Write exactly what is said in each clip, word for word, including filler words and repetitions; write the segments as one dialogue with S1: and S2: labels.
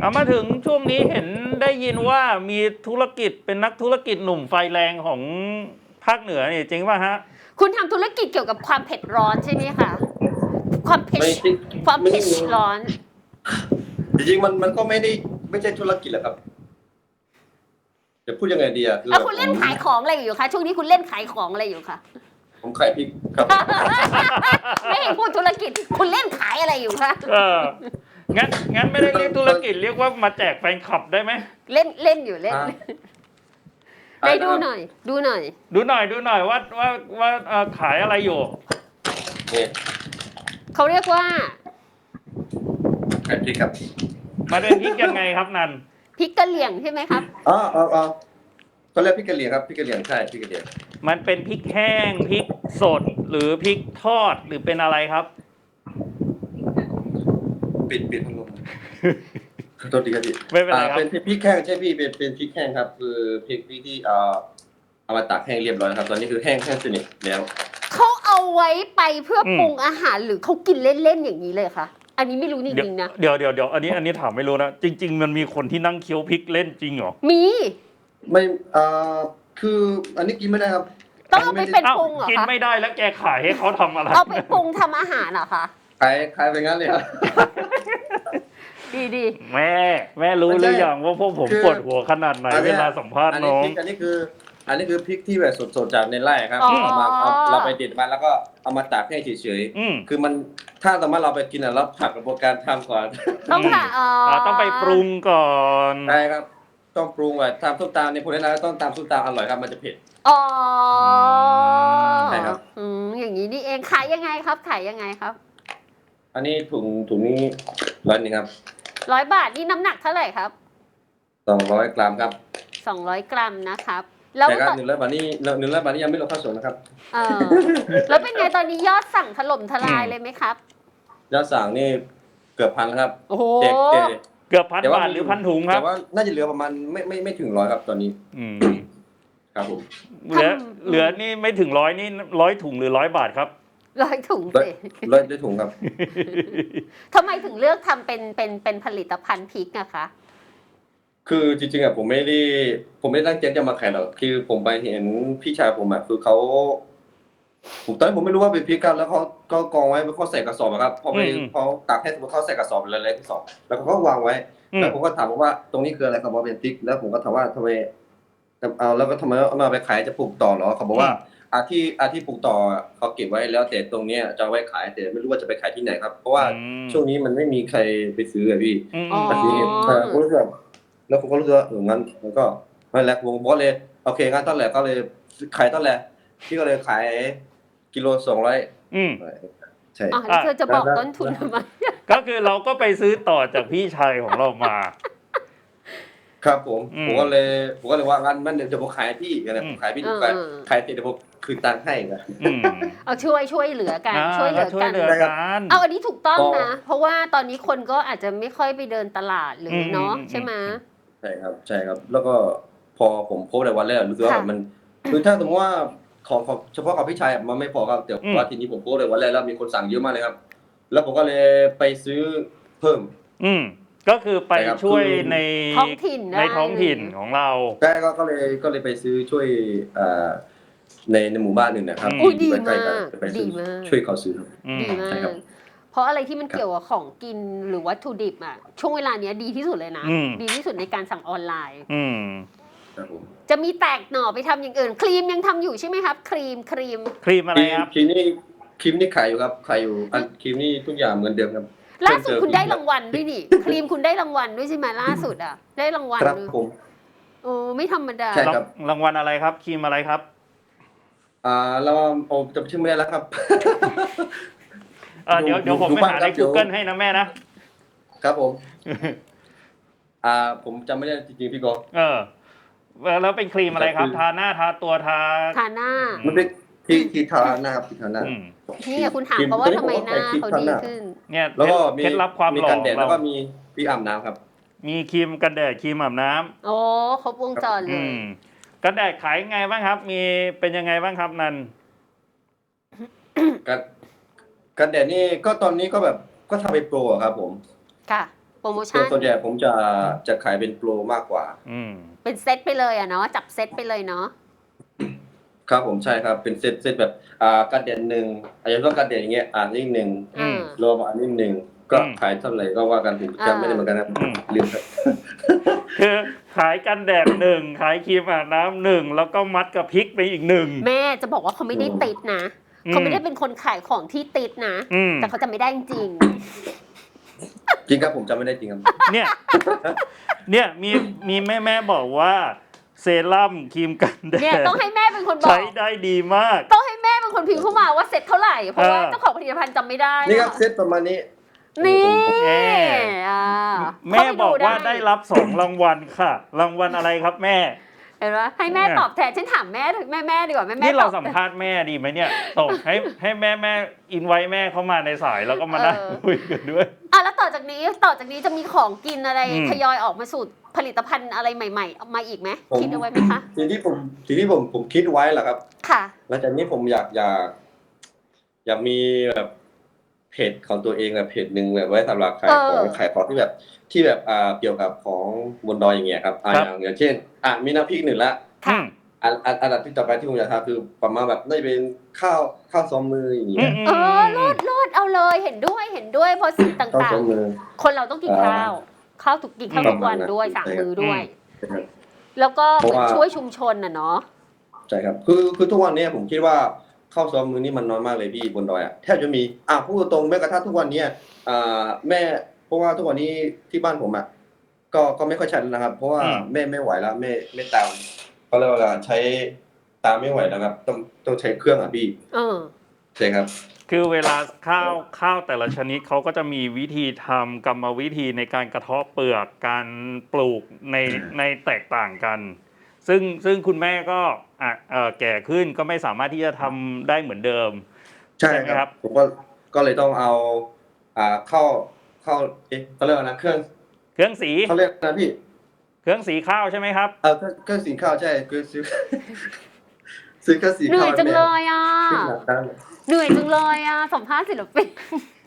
S1: เอามาถึงช่วงนี้เห็นได้ยินว่ามีธุรกิจเป็นนักธุรกิจหนุ่มไฟแรงของภาคเหนือนี่จริงป่ะฮะ
S2: คุณทำธุรกิจเกี่ยวกับความเผ็ดร้อนใช่ไหมคะความเผ็ด
S3: ไม่จริง
S2: ความ
S3: ไม่
S2: เผ็ดร้อน
S3: จริงๆมันมันก็ไม่ได้ไม่ใช่ธุรกิจหรอกครับจะพูดยังไงดีอะคือ
S2: แล้วคุณเล่นขายของอะไรอยู่คะช่วงนี้คุณเล่นขายของอะไรอยู่คะ
S3: ผมขายพริกครับ
S2: ไม่ให้พูดธุรกิจคุณเล่นขายอะไรอยู่คะ
S1: เอองั้นงั้นไม่ได้เรียกธุรกิจเรียกว่ามาแจกแฟนคลับได้ไหม
S2: เล่นเล่นอยู่เล่น
S3: ฮะ
S2: ไปดูหน่อย ดูหน่อย
S1: ดูหน่อยดูหน่อยว่าว่าว่าเอ่อขายอะไรอยู่
S3: นี่
S2: เขาเรียกว่า
S3: ขายพริกครับ
S1: มาเดินพริกยังไงครับนัน
S2: พริกกะเหรี่ยงใช่ไหมครับ
S3: อ๋ออ๋ออ๋อก็เรียกพริกกะเหรี่ยงครับพริกกะเหรี่ยงใช่พริกกะเหรี่ยง
S1: มันเป็นพริกแห้งพริกสดหรือพริกทอดหรือเป็นอะไรครับ
S3: ปิดปิดพัดลมโทษทีครับพี่
S1: ไม่เป็นไรครับ
S3: อ่าเป็นพริกแห้งใช่พี่เป็นเป็นพริกแห้งครับ คือพริกพริกที่เอ่อเอามาตากแห้งเรียบร้อยแล้วครับ ตอนนี้คือแห้งแห้งสนิทแล้ว
S2: เขาเอาไว้ไปเพื่ออ
S1: ม
S2: ปรุงอาหารหรือเขากินเล่นๆอย่างนี้เลยคะอันนี้ไม่รู้จ
S1: เดี๋ยว
S2: ริงๆนะ
S1: เดี๋ยวเดี๋ยวเดี๋ยวอันนี้อันนี้ถามไม่รู้นะจริง ๆ มันมีคนที่นั่งเคี้ยวพริกเล่นจริงเหรอ
S2: มี
S3: ไม่เอ่อคืออันนี้กินไม่ได้ครับ
S2: ต้องเอาไปเป็น
S1: เอ้า
S2: ปรุงเหรอ
S1: กิน
S2: คะ
S1: ไม่ได้แล้วแกขายให้เขาทำอะไร
S2: เอาไปปรุงทำอาหารเหรอคะ
S3: ขายขายไปงั้นเลยครับ
S2: ดีดี
S1: แม่แม่รู้หรือยังว่าพวกผม
S3: คือ
S1: ปวดหัวขนาดไหน
S3: อันเนี้
S1: เวย ลาสัมภาษณ์
S3: อัน
S1: น้
S3: นี้
S1: อง
S3: พริกอันนี้คือ อันนี้คือพริกที่แบบสดๆจากในไร่ครับเอามาเอาเราไปเด็ดมาแล้วก็เอามาตากให้เฉย
S1: อืม
S3: ๆคือมันถ้าสมมติเราไปกินอ่ะเราผัดกระบวนการทำก่อน
S2: ต้องค่ะอ๋ออ
S1: อ่าต้องไปปรุงก่อน
S3: ใช่ครับ ต้องปรุงอ่ะทำส้มตำในพวกนี้นะต้องตำส้มตำอร่อยครับมันจะเผ็ด
S2: อ๋อ
S3: ใช่ครับ
S2: อืมอย่างนี้นี่เองขายยังไงครับขายยังไงครับ
S3: อันนี้ถุงถุงนี้ร้อยหนึงครับ
S2: ร้อยบาทนี่น้ำหนักเท่าไหร่ครับ
S3: สองร้อยกรัมครับ
S2: สองร้อยกรัมนะครับ แล้ว
S3: แต่ครับ
S2: ตอน
S3: หนึ่งร้อยบาทนี่หนึ่งร้อยบาทนี่ยังไม่รวมค่าส่งนะครับ
S2: เออแล้วเป็นไงตอนนี้ยอดสั่งถล่มทลายเลยไหมครับ
S3: ยอดสั่งนี่เกือบพันแล้วครับ
S2: โอ้โห
S3: เจ๊เจ๊
S1: เกือบพัน
S3: แต่ว่า
S1: บาทหรือพันถุงครับ
S3: แต่ว่าน่าจะเหลือประมาณไม่ไม่ไม่ถึงร้อยครับตอนนี้
S1: อืม
S3: ครับผม
S1: เหลือเหลือนี่ไม่ถึงร้อยนี่ร้อยถุงหรือร้อยบาทครับ
S2: ร้อยถุง
S3: ร้อย
S2: สิ
S3: ร้อยได้ถุงครับ
S2: ทำไมถึงเลือกทำเป็นเป็นเป็นผลิตภัณฑ์พริกอะคะ
S3: คือจริงๆอ่ะผมไม่ได้ผมไม่ได้ตั้งใจจะมาขายหรอกคือผมไปเห็นพี่ชายผมอ่ะคือเขาผมตอนนั้นผมไม่รู้ว่าเป็นพริกกันแล้วเขาก็กองไว้เขาใส่กระสอบอะครับพอไป
S1: อืม
S3: พอตักให้เขาใส่กระสอบเล็กๆกระสอบแล้วเขาก็วางไว้
S1: อืม
S3: แล้วผมก็ถามว่าตรงนี้คืออะไรเขาบอกเป็นพริกแล้วผมก็ถามว่าทำไมเอาแล้วก็ทำไมเอามาไปขายจะปลูกต่อเหรอเขาบอกว่าอาที่อาที่ปลูกต่อเขาเก็บไว้แล้วแต่ตรงเนี้ยจะเอาไว้ขายแต่ไม่รู้ว่าจะไปขายที่ไหนครับ เพราะว่า
S1: อืม
S3: ช่วงนี้มันไม่มีใครไปซื้ออะพี่
S1: อืม
S2: อ๋อ
S3: แต่ทีนี้เออผมรู้สึกว่าแล้วผมก็รู้สึกว่าเอองั้นมันก็ไม่แหละผมก็เลยโอเคงั้นตอนแรกก็เลยขายตอนแรกพี่ก็เลยขายกิโลสองร้อย
S1: อืม
S3: ใช่
S2: อ๋อแล้วเธอจะบอก
S3: แล้ว
S2: ต้นทุนทำไม
S1: ก็คือเราก็ไปซื้อต่อจากพี่ชายของเรามา
S3: ครับผม
S1: อืม
S3: ผมก็เลยผมก็เลยว่างั้นมันเดี๋ยวผมขายให้พี่กันนะ
S1: อืม
S3: ผมขายพี่ดูขายขายเสร็จเดี๋ยวผมคืนตังค์ให้นะ
S1: อืม
S2: เอาช่วยช่วยเหลือกัน
S1: อ่า
S2: ช่วยเหลือ
S1: ช่วย
S2: กัน
S1: เหลือกัน
S2: เอาอันนี้ถูกต้อง
S3: ก็
S2: นะ เพราะว่าตอนนี้คนก็อาจจะไม่ค่อยไปเดินตลาดหรือเนาะ
S1: อืม
S2: ใช่ไหม
S3: ใช่ครับใช่ครับ แล้วก็พอผมโพสต์ในวันแรกรู้สึกว่า
S2: ค่ะ
S3: มันคือถ้าสมมติว่าของของเฉพาะกับพี่ชายมันไม่พอครับแต่ว่าทีนี้ผมโพสต์ในวันแรกแล้วมีคนสั่งเยอะมากเลยครับ แล้วผมก็เลยไปซื้อเพิ่ม
S1: อืมก็คือไป
S3: ใช่ครับ
S1: ช่วย
S3: คือ
S1: ใน
S2: ท้องถิ่น
S1: ในท้องถิ่นของเรา
S3: ใช่ก็ก็เลยก็เลยไปซื้อช่วยอ่าในในหมู่บ้านหนึ่งนะครับ
S1: อืม
S2: อุ้ยดี
S3: ใกล้
S2: มา
S3: ๆกัน
S2: ก
S3: ไปซื้
S2: ดี
S3: อ
S2: มาก
S3: ช่วยเขาซื้อครับ
S1: อืม
S2: ดีมา
S3: ใช่
S2: ก
S3: ครับ
S2: เพราะอะไรที่มันเกี่ยวกับของกินหรือวัตถุดิบอ่ะช่วงเวลาเนี้ยดีที่สุดเลยนะ
S1: อืม
S2: ดีที่สุดในการสั่งออนไลน์
S1: อืม
S3: ครับผม
S2: จะมีแตกหน่อไปทำอย่างอื่น ครีมยังทำอยู่ใช่ไหมครับ ครีมครีม
S1: ครีมอะไร
S3: ครีม
S1: ครับ
S3: ครีมนี่ครีมนี่ขายอยู่ครับขายอยู่อันครีมนี่ทุกอย่างเหมือนเดิมครับ
S2: ล่าสุด
S3: เพิ่มเติม
S2: คุณได้รางวัลด้วยนี่ ครีมคุณได้รางวัลด้วยใช่ไหมล่าสุดอ่ะ ได้รางวัล
S3: ครับ
S2: ด้วย
S3: ผม
S2: โอ้ไม่ธรรมดา
S3: ใช่ครับ
S1: รางวัลอะไรครับ ครีมอะไรครับ
S3: อ่าเราโอ้จำชื่อไม่ได้แล้วครับ
S1: เออเดี๋ยว
S3: ดู
S1: เดี๋ยวผม
S3: ดู
S1: ไป
S3: บ้าง
S1: หา
S3: ครั
S1: ใน
S3: บเดี๋ยว
S1: Google ให้นะแม่นะ
S3: ครับผม อ่า ผมจำไม่ได้จริงๆพี่กอล์ฟ
S1: เออ แล้วเป็นครีมอะไรครับ ทาหน้าทาตัวทา
S2: ทาหน้า
S3: มันเป็นที่ที่ทาหน้าครับที่ทาหน้า
S1: อืม
S2: นี่ไงคุณถามเขาว่าทำไมหน้าเขาดีขึ้น
S1: เนี่ย
S3: แล้วก็มี
S1: เคล็ดลับความ
S3: มี
S1: หล่อ
S3: กัน
S1: ข
S3: แด
S1: อ
S3: ด
S1: ง
S3: แล้ว
S1: เรา
S3: ก็มีพี่อาบน้ำครับ
S1: มีครีมกันแดดครีมอาบน้ำ
S2: โอ้ครบวงจรเล
S1: อื
S2: ย
S1: มกันแดดขายไงบ้างครับ มีเป็นยังไงบ้างครับนัน
S3: กันกันแดดนี่ก็ตอนนี้ก็แบบก็ทำเป็นโปรอะครับผม
S2: ค่ะโปรโม
S3: ส่ว
S2: ชั่
S3: น
S2: น
S3: ส่วนใหญ่ผมจะจะขายเป็นโปรมากกว่า
S1: อืม
S2: เป็นเซตไปเลยอะเนาะจับเซตไปเลยเนาะ
S3: ครับผมใช่ครับเป็นเซตเซตแบบอ่าการเด่นหนึ่งอาจจะต้องการเด่นอย่างเงี้ยอ่านนิดหนึ่ง
S1: อืม
S3: รวมอันนิดหนึ่งก็
S1: อืม
S3: ขายเท่าไหร่ก็ว่ากันผมจำไม่ได้เหมือนกันนะ
S1: อืม
S3: ลืมครับ
S1: คือขายกันแดดหนึ่งขายครีมอาบน้ำหนึ่งแล้วก็มัดกับพริกไปอีกหนึ่ง
S2: แม่จะบอกว่าเขาไม่ได้ติดนะ
S1: อืม
S2: เขาไม่ได้เป็นคนขายของที่ติดนะ
S1: อืม
S2: แต่เขาจะไม่ได้จริง
S3: จริงครับผมจำไม่ได้จริงครับ
S1: เนี่ยเนี่ยมีมีแม่แม่ๆบอกว่าเซรั่มครีมกันแด
S2: เนี่ย
S1: ด
S2: ต้องให้แม่เป็นคนบอ
S1: ใช้
S2: ก
S1: ได้ดีมาก
S2: ต้องให้แม่เป็นคนพิมพ์เข้ามาว่าเซ็ตเท่าไหร่ เพราะว่า
S1: เออ
S2: เจ้าของผลิตภัณฑ์จำไม่ได้
S3: นี่ครับ
S2: อะ
S3: เซตประมาณนี้
S2: นี่
S1: แม่
S2: อ่า
S1: แม่บอกว่าได้รับสองรางวัลค่ะ รางวัลอะไรครับแม่
S2: เห็นไหมให้แม่ตอบแทนฉันถามแม่ถึงแม่แม่ดีกว่าแม่แม่
S1: นี่เรา
S2: ตอบ
S1: สัมภาษณ์แม่ดีไหมเนี่ยส่งให้ให้แม่แม่อินไว้แม่เข้ามาในสายแล้วก็มานั่งคุยกันด้วย
S2: อ่ะแล้วต่อจากนี้ต่อจากนี้จะมีของกินอะไร
S1: อืม
S2: ทยอยออกมาสู่ผลิตภัณฑ์อะไรใหม่ๆ มาอีกไหม
S3: ผม
S2: คิดเอาไว้ไหมคะ
S3: สิ่งที่ผมสิ่งที่ผมผมคิดไว้แหละครับ
S2: ค่ะ
S3: หลังจากนี้ผมอยากอยากอยากมีแบบเพจของตัวเองแบบเพจหนึ่งแบบไว้สำหรับขายของ
S2: เออ
S3: ขายของที่แบบที่แบบอ่าเกี่ยวกับของบนดอยอย่างเงี้ยครับอ่า
S1: ครับ
S3: อย่างอย่างเช่นอ่ะมีน้ำพริกหนึ่งละ
S1: อืม
S3: อันอันอันดับที่ต่อไปที่ผมอยากทำคือประมาณแบบน่าจะเป็นข้าวข้าวซ้อมมืออย่าง
S1: อื
S3: เงี้
S1: ม
S3: ย
S1: อืม
S2: เออโลดโลดเอาเลยเห็นด้วยเห็นด้วยเพราะสิ่ง
S3: ข้าว
S2: ต่าง
S3: ซ้อมมือ
S2: ๆ คนเราต้องกินข้าว ข้าวทุกกินข้าว
S1: อืม
S2: ทุกวันด้วยสามมือด้วย
S3: นะครับ
S2: แล้วก็เห
S3: เพราะ
S2: มือน
S3: ว่า
S2: ช่วยชุมชนน่ะเนาะ
S3: ใช่ครับคือคือทุกวันเนี้ยผมคิดว่าข้าวซ้อมมือนี่มันน้อยมากเลยพี่บนดอยอ่ะแทบจะมีอ่ะพูดตรงๆแม้กระทั่งทุกวันเนี้ยอ่าแม่เพราะว่าทุกวันนี้ที่บ้านผมอ่ะก็ก็ไม่ค่อยชันนะครับ เพราะว่า
S1: อืม
S3: แม่ไม่ไหวแล้วแม่แม่ตามเขาเรียกว่าใช้ตามไม่ไหวแล้วครับต้องต้องใช้เครื่องอ่ะพี่
S2: เออ
S3: ใช่ครับ
S1: คือเวลาข้าวข้าวแต่ละชนิดเขาก็จะมีวิธีทำกรรมวิธีในการกระเทาะเปลือกการปลูกในในแตกต่างกัน ซึ่งซึ่งคุณแม่ก็อ่ะเอ่อแก่ขึ้นก็ไม่สามารถที่จะทำได้เหมือนเดิม
S3: ใช่
S1: ใช่ไหม
S3: ค
S1: ครั
S3: รับ บผมก็ก็เลยต้องเอาอ่าเข้าเข้าเอ๊ะเขาเรียกว่านะเครื่อง
S1: เครื่องสี
S3: เขาเรียกนะพี่
S1: เครื่องสีข้าวใช่ไหมครับ
S3: เออเครื่องเครื่องสีข้าวใช่คือซื้อ ซื้อเครื่องสี
S2: เหนื่
S3: ข้า
S2: อ
S3: วย
S2: จังเลยอ่ะ
S3: ขึ้นหลังตั้ง
S2: เหนื่อยจังเลยอ่ะสัมภาษณ์ศิลปิน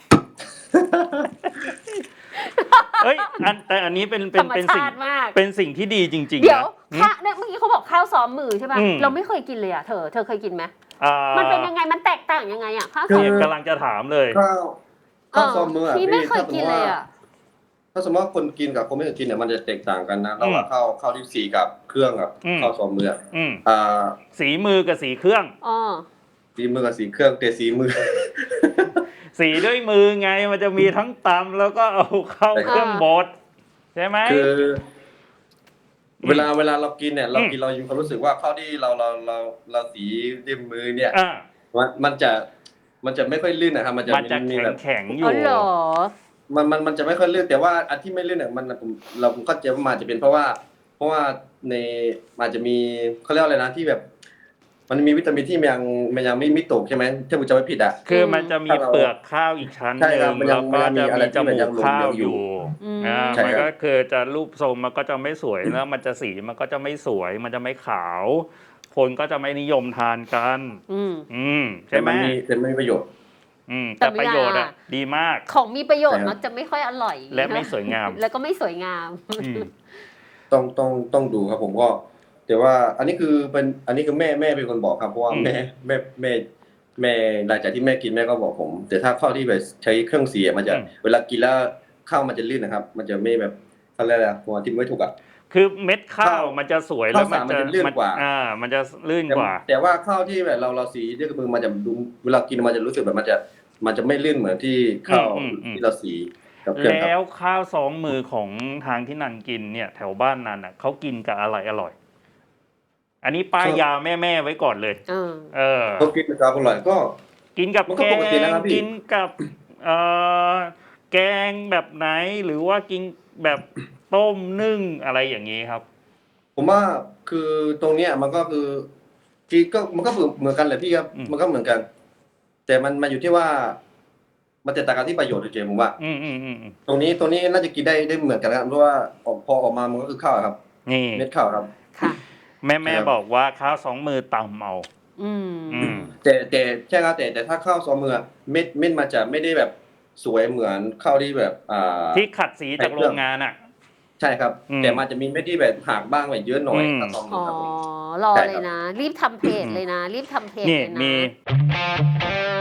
S1: เอ้ยอันแต่อันนี้เป็นเป็
S2: ธร
S1: น
S2: รม
S1: เป็นสิ่ง
S2: ชาติมาก
S1: เป็นสิ่งที่ดีจริงๆ
S2: เดี๋ยว
S1: นะ
S2: ข้าเนี่ยเมื่อกี้เขาบอกข้าวซ้อมมือใช่ป่ะ
S1: อืม
S2: เราไม่เคยกินเลยอ่ะเธอ เธอเคยกินไหม
S1: อ่า
S2: มันเป็นยังไง มันแตกต่างยังไงอ่ะข้าวซ้อม
S1: เนี่ย
S2: มือ
S1: กำลังจะถามเลย
S3: ข้าวข้าวซอมมืออ่ะ
S2: พี่ไม่เคย
S3: ถ้าส
S2: กิน
S3: ติ
S2: เลย
S3: ว่า
S2: อ่ะ
S3: ถ้าสมมติว่าคนกินกับคนไม่เคยกินเนี่ยมันจะแตกต่างกันนะระหว่างข้าวข้าวที่สีกับเครื่องกับ
S1: อืม
S3: ข้าวซอมมืออะ
S1: อืม
S3: อ่า
S1: สีมือกับสีเครื่อง
S2: อ๋อ
S3: สีมือกับสีเครื่องแต่สีมือ
S1: สีด้วยมือไงมันจะมีทั้งตำแล้วก็เอาเข้าเครื่องบดใช่ไหม
S3: คือ
S1: อืม
S3: เวลาเวลาเรากินเนี่ยเรา
S1: อืม
S3: กินเราอยู่ความรู้สึกว่าข้าวที่เราเราเราเราสีด้วยมือเนี่ย
S1: อ่า
S3: มันมันจะมันจะไม่ค่อยลื่นนะครับมันจะ
S1: มันจะ
S3: มี
S1: แข็
S3: แบ
S1: ง
S3: บ
S1: แข็งๆอ
S2: อ๋
S1: ยู่
S2: อเหรอ
S3: มันมันมันจะไม่ค่อยลื่นแต่ว่าอันที่ไม่ลื่นเนี่ยมันผมเราผมเข้าใจว่ามันอาจจะเป็นเพราะว่า เพราะว่าในอาจจะมีเขาเรียกว่าอะไรนะที่แบบ มันมีวิตามินที่มันยังมันยังไม่ไม่ตกใช่ไหมถ้าผมจำไม่ผิดอ่ะ
S1: คือมันจะมี
S3: ถ้าเรา
S1: เปลือกข้าวอีกชั้นห
S3: ใช่ครั
S1: นึ่
S3: บ
S1: ง
S3: มันยั
S1: แล้
S3: ง
S1: วก็
S3: มันยังมี
S1: จะ
S3: อะไร
S1: มี
S3: ที่
S1: จ
S3: มัน
S1: มู
S3: ยั
S1: ก
S3: งหลง
S1: ข้าว
S3: เหลือง
S1: อ
S3: อยู่
S1: ยู่
S2: อืม
S1: อ่า
S3: ใช่
S1: มัน
S3: ครับ
S1: ก็คือจะรูปทรงมันก็จะไม่สวยแล้วมันจะสีมันก็จะไม่สวยมันจะไม่ขาว คนก็จะไม่นิยมทานกัน
S2: อืม
S1: อืมใช่ไหม
S3: แต่นมีแต่ไม่มีประโยชน์
S1: อืม
S2: แต่
S1: แต่ประโยชน์อ่ะ
S2: ไม่
S1: ดีมาก
S2: ของมีประโยชน์
S3: ใช่ครับ
S2: มักจะไม่ค่อยอร่อย
S1: และไม่สวยงาม
S2: แล้วก็ไม่สวยงาม
S1: อืม
S3: ต้องต้องต้องดูครับผมก็แต่ว่าอันนี้คือเป็นอันนี้คือแม่แม่เป็นคนบอกครับเพราะว่า
S1: อืม
S3: แม่แม่แม่แม่หลังจากที่แม่กินแม่ก็บอกผม แต่ถ้าข้าวที่แบบใช้เครื่องเสียมันจะเวลากินแล้วข้าวมันจะลื่นนะครับ มันจะไม่แบบอะไรอะผมอธิบายไม่ถูกอ่ะ
S1: คือเม็ดข้าว
S3: ข้าว
S1: มันจะสวยแล้ว
S3: ข้าวสารมันจะลื่นกว่า
S1: อ่า มันจะลื่น
S3: แต่
S1: กว่า
S3: แต่ว่าข้าวที่แบบเราเราสีด้วยมือมันจะดูเวลากินมันจะรู้สึกแบบมันจะมันจะไม่ลื่นเหมือนที่ข้าว
S1: อืมอืมอืม
S3: ที่เราสีกับเครื่องค
S1: แล้
S3: รับ
S1: วข้าวซ้อมมือของทางที่นันกินเนี่ย แถวบ้านนันอ่ะเขากินกับอะไรอร่อย อันนี้ป้าย
S3: ครับ
S1: ยาแม่ๆไว้ก่อนเลย
S2: เออ
S1: เออ
S3: ก็กินกับอร่อยก็
S1: กินกับ
S3: มันก็
S1: แก
S3: ปกติ
S1: ง
S3: นะครับพี่
S1: กินกับเอ่อแกงแบบไหนหรือว่ากินแบบต้มนึ่งอะไรอย่างนี้ครับ
S3: ผมว่าคือตรงเนี้ยมันก็คือกีก็มันก็เหมือนกันแหละพี่ครับ
S1: อืม
S3: มันก็เหมือนกัน แต่มันมาอยู่ที่ว่า มันจะต่างกันที่ประโยชน์เฉยๆผมว่า
S1: อืมอืมอืมอืม
S3: ตรงนี้ตรงนี้น่าจะกินได้ได้เหมือนกันนะครับเพราะว่าออกพอออกมามันก็คือข้าวครับ
S1: นี่
S3: เม็ดข้าวครับ
S2: ค่ะ
S1: แม่แม่
S3: ครับ
S1: บอกว่าข้าวสองมือตำเอา
S2: อืม
S1: อืม
S3: แต่แต่ใช่ครับแต่แต่ถ้าข้าวซอมมืออะเม็ดเม็ดมันจะไม่ได้แบบสวยเหมือนข้าวที่แบบอ่า
S1: ที่ขัดสีจากโรงงานอ่ะ
S3: ใช่ครับ
S1: อืม
S3: แต่มันจะมีเม็ดที่แบบหักบ้างแบบเยอะหน่อย
S1: อืม
S3: ถ้าตอมหนึ่
S2: อ๋
S3: ง
S2: อ
S3: ครับผม
S2: รอ
S3: ใช่
S2: เล
S3: ครั
S2: ย
S3: บ
S2: นะ รีบทำเพจเลยนะ รีบทำเพจ
S1: นี่
S2: เลยนะ
S1: มี